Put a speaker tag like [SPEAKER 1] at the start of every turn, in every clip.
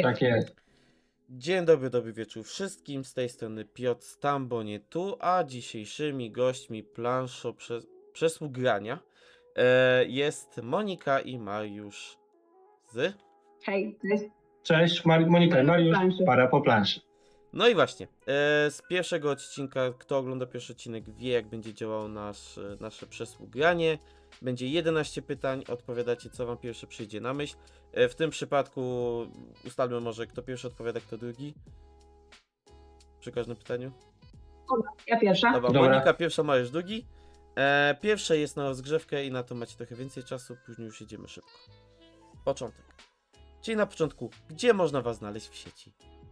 [SPEAKER 1] Tak jest.
[SPEAKER 2] Dzień dobry wieczór wszystkim, z tej strony Piotr Stambonie tu, a dzisiejszymi gośćmi planszo przesług grania jest Monika i Mariusz z...
[SPEAKER 3] Hej, cześć.
[SPEAKER 1] Cześć, Monika i Mariusz,
[SPEAKER 3] Planszy.
[SPEAKER 1] para po planszy.
[SPEAKER 2] No i właśnie, z pierwszego odcinka, kto ogląda pierwszy odcinek wie jak będzie działało nasze przesług granie. Będzie 11 pytań, odpowiadacie co wam pierwsze przyjdzie na myśl. W tym przypadku ustalmy może kto pierwszy odpowiada, kto drugi. Przy każdym pytaniu.
[SPEAKER 3] Ja pierwsza.
[SPEAKER 2] Dobra,
[SPEAKER 1] Dobra.
[SPEAKER 2] Monika pierwsza, Mariusz drugi. Pierwsze jest na rozgrzewkę i na to macie trochę więcej czasu, później już jedziemy szybko. Początek. Czyli na początku, gdzie można was znaleźć w sieci?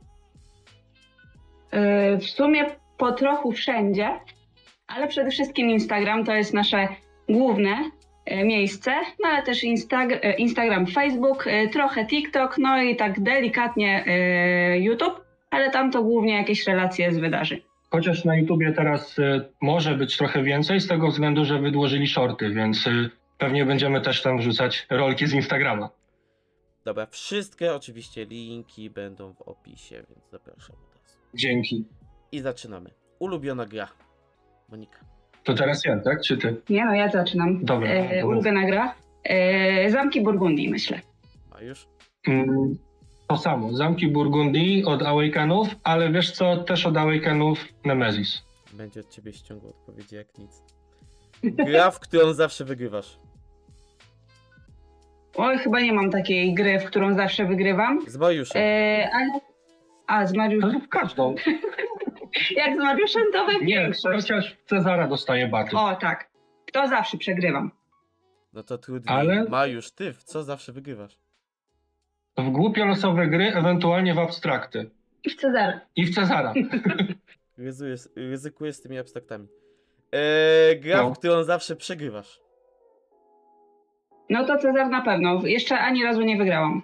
[SPEAKER 3] W sumie po trochu wszędzie, ale przede wszystkim Instagram to jest nasze główne miejsce, no ale też Instagram, Facebook, trochę TikTok, no i tak delikatnie YouTube, ale tam to głównie jakieś relacje z wydarzeń.
[SPEAKER 1] Chociaż na YouTubie teraz może być trochę więcej z tego względu, że wydłożyli shorty, więc pewnie będziemy też tam wrzucać rolki z Instagrama.
[SPEAKER 2] Dobra, wszystkie oczywiście linki będą w opisie, więc zapraszam od razu.
[SPEAKER 1] Dzięki.
[SPEAKER 2] I zaczynamy. Ulubiona gra. Monika.
[SPEAKER 1] To teraz ja, tak? Czy ty?
[SPEAKER 3] Nie no, ja zaczynam.
[SPEAKER 1] Dobra.
[SPEAKER 3] Ulubiona gra. Zamki Burgundii, myślę.
[SPEAKER 2] Mariusz?
[SPEAKER 1] To samo, Zamki Burgundii od Awakenów, ale wiesz co, też od Awakenów Nemesis.
[SPEAKER 2] Będzie od ciebie ściągło odpowiedzi jak nic. Gra, w którą zawsze wygrywasz.
[SPEAKER 3] Oj, chyba nie mam takiej gry, w którą zawsze wygrywam.
[SPEAKER 2] Z Mariuszem.
[SPEAKER 3] Z Mariuszem.
[SPEAKER 1] W każdą.
[SPEAKER 3] Jak z Mariuszem to we
[SPEAKER 1] Nie,
[SPEAKER 3] większość.
[SPEAKER 1] chociaż Cezara dostaje baty.
[SPEAKER 3] O tak, to zawsze przegrywam.
[SPEAKER 2] No to trudniej.
[SPEAKER 1] Ale-
[SPEAKER 2] Mariusz, ty w co zawsze wygrywasz?
[SPEAKER 1] W głupio losowe gry, ewentualnie w abstrakty.
[SPEAKER 3] I w Cezarę.
[SPEAKER 1] I w Cezara.
[SPEAKER 2] Ryzykuję z tymi abstraktami. Gra,
[SPEAKER 1] No.
[SPEAKER 2] w którą zawsze przegrywasz.
[SPEAKER 3] No to Cezar na pewno. Jeszcze ani razu nie wygrałam.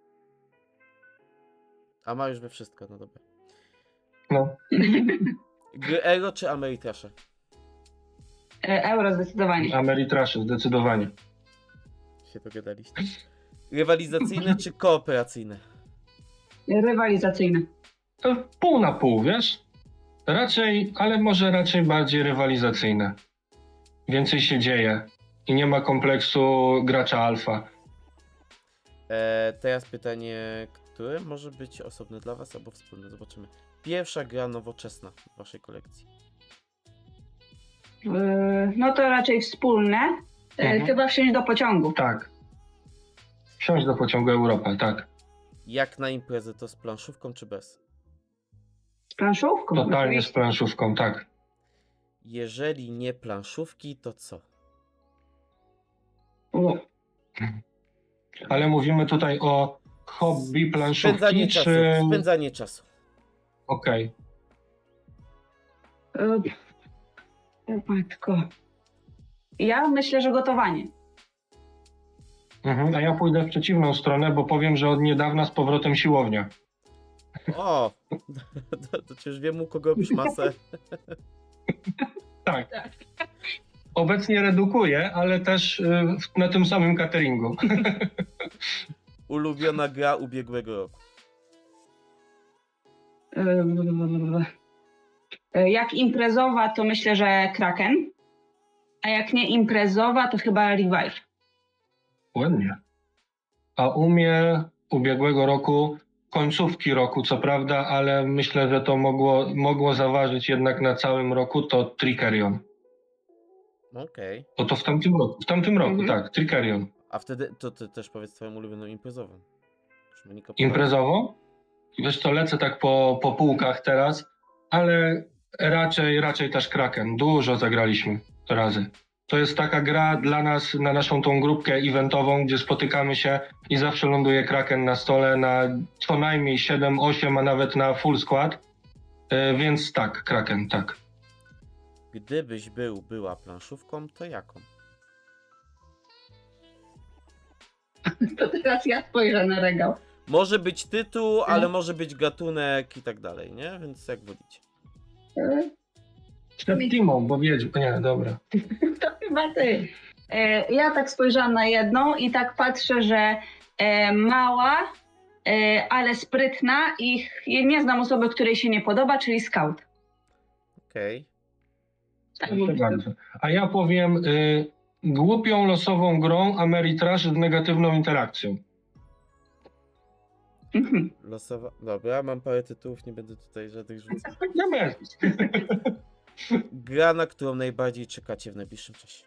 [SPEAKER 2] A Mariusz we wszystko, no dobra.
[SPEAKER 1] No.
[SPEAKER 2] Gry Euro czy Ameritrasze?
[SPEAKER 3] Euro zdecydowanie.
[SPEAKER 1] Ameritrasze, zdecydowanie.
[SPEAKER 2] Się dogadaliście. Rywalizacyjne czy kooperacyjne?
[SPEAKER 3] Rywalizacyjny.
[SPEAKER 1] To pół na pół, wiesz? Raczej, ale może raczej bardziej rywalizacyjne. Więcej się dzieje i nie ma kompleksu gracza alfa.
[SPEAKER 2] Teraz pytanie, które może być osobne dla was albo wspólne, zobaczymy. Pierwsza gra nowoczesna w waszej kolekcji.
[SPEAKER 3] No to raczej wspólne. Chyba wsiąść do pociągu.
[SPEAKER 1] Tak. Wsiąść do pociągu Europa, tak.
[SPEAKER 2] Jak na imprezę, to z planszówką czy bez?
[SPEAKER 3] Z planszówką.
[SPEAKER 1] Totalnie z
[SPEAKER 3] oczywiście.
[SPEAKER 1] planszówką, tak.
[SPEAKER 2] Jeżeli nie planszówki, to co?
[SPEAKER 3] O,
[SPEAKER 1] Ale mówimy tutaj o hobby planszówki,
[SPEAKER 2] Spędzanie czasu.
[SPEAKER 1] czy...
[SPEAKER 2] Spędzanie czasu.
[SPEAKER 1] Okej.
[SPEAKER 3] O matko. Ja myślę, że gotowanie.
[SPEAKER 1] A ja pójdę w przeciwną stronę, bo powiem, że od niedawna z powrotem siłownia.
[SPEAKER 2] O! To już wiem, u kogo robisz masę.
[SPEAKER 1] Tak. Obecnie redukuję, ale też na tym samym cateringu.
[SPEAKER 2] Ulubiona gra ubiegłego roku.
[SPEAKER 3] Jak imprezowa, to myślę, że Kraken. A jak nie imprezowa, to chyba Revive.
[SPEAKER 1] Ładnie. A u mnie ubiegłego roku, końcówki roku co prawda, ale myślę, że to mogło zaważyć jednak na całym roku, to Trickerion.
[SPEAKER 2] Okej.
[SPEAKER 1] Bo to w tamtym roku. W tamtym roku, tak, Trickerion.
[SPEAKER 2] A wtedy to ty też powiedz twoją ulubioną imprezową. Już Monika
[SPEAKER 1] Imprezowo? Wiesz co, lecę tak po półkach teraz, ale raczej też Kraken. Dużo zagraliśmy razy. To jest taka gra dla nas, na naszą tą grupkę eventową, gdzie spotykamy się i zawsze ląduje Kraken na stole na co najmniej 7, 8, a nawet na full skład. Więc tak, Kraken, tak.
[SPEAKER 2] Gdybyś była planszówką, to jaką?
[SPEAKER 3] To teraz ja spojrzę na regał.
[SPEAKER 2] Może być tytuł, ale może być gatunek i tak dalej, nie? Więc jak wolicie.
[SPEAKER 1] Przed Timą, bo wiedź, nie, dobra.
[SPEAKER 3] To chyba ty. Ja tak spojrzałam na jedną i tak patrzę, że mała ale sprytna i nie znam osoby, której się nie podoba, czyli scout.
[SPEAKER 2] Okej.
[SPEAKER 3] Tak
[SPEAKER 1] Proszę
[SPEAKER 3] bym
[SPEAKER 1] bardzo. A ja powiem głupią, losową grą Ameritrash z negatywną interakcją.
[SPEAKER 3] Mhm.
[SPEAKER 2] Losowa. Dobra, mam parę tytułów, nie będę tutaj żadnych rzucał.
[SPEAKER 1] Nie bez.
[SPEAKER 2] Gra, na którą najbardziej czekacie w najbliższym czasie.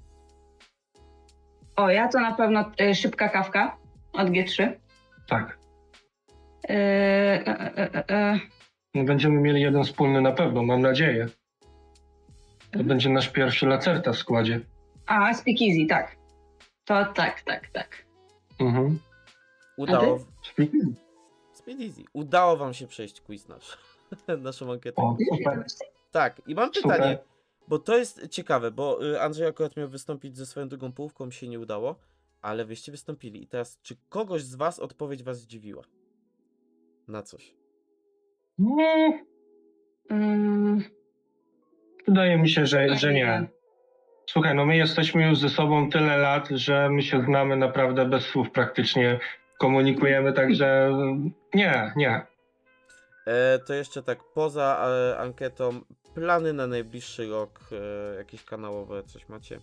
[SPEAKER 3] O, ja to na pewno Szybka Kawka od G3.
[SPEAKER 1] Tak.
[SPEAKER 3] E, e, e, e.
[SPEAKER 1] Będziemy mieli jeden wspólny na pewno, mam nadzieję. To będzie nasz pierwszy Lacerta w składzie.
[SPEAKER 3] A, Speakeasy, tak. To tak.
[SPEAKER 1] Mhm.
[SPEAKER 2] Udało.
[SPEAKER 1] Speaking.
[SPEAKER 2] Speed Easy. Udało wam się przejść quiz nasz. Naszą ankietę.
[SPEAKER 1] O, super.
[SPEAKER 2] Tak, i mam
[SPEAKER 1] Super.
[SPEAKER 2] pytanie, bo to jest ciekawe, bo Andrzej akurat miał wystąpić ze swoją drugą połówką, mi się nie udało, ale wyście wystąpili. I teraz, czy kogoś z was odpowiedź was zdziwiła? Na coś?
[SPEAKER 1] No,
[SPEAKER 3] Mm,
[SPEAKER 1] wydaje mi się, że nie. Słuchaj, no my jesteśmy już ze sobą tyle lat, że my się znamy naprawdę bez słów praktycznie. Komunikujemy, także nie.
[SPEAKER 2] To jeszcze tak, poza ankietą, plany na najbliższy rok, jakieś kanałowe, coś macie?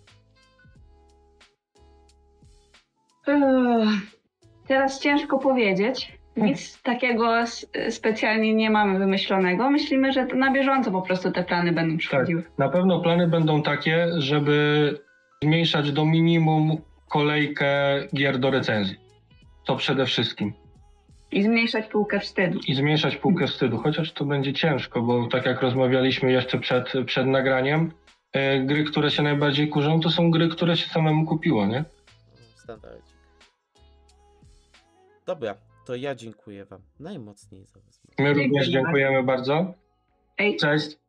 [SPEAKER 3] Teraz ciężko powiedzieć. Nic takiego specjalnie nie mamy wymyślonego. Myślimy, że na bieżąco po prostu te plany będą przychodziły.
[SPEAKER 1] Na pewno plany będą takie, żeby zmniejszać do minimum kolejkę gier do recenzji. To przede wszystkim.
[SPEAKER 3] I zmniejszać półkę wstydu.
[SPEAKER 1] I zmniejszać półkę wstydu, chociaż to będzie ciężko, bo tak jak rozmawialiśmy jeszcze przed nagraniem, gry, które się najbardziej kurzą, to są gry, które się samemu kupiło, nie?
[SPEAKER 2] Standardzik. Dobra, to ja dziękuję wam najmocniej za rozmowę.
[SPEAKER 1] My również
[SPEAKER 3] Dziękujemy
[SPEAKER 1] dziękujemy bardzo.
[SPEAKER 3] Ej.
[SPEAKER 1] Cześć.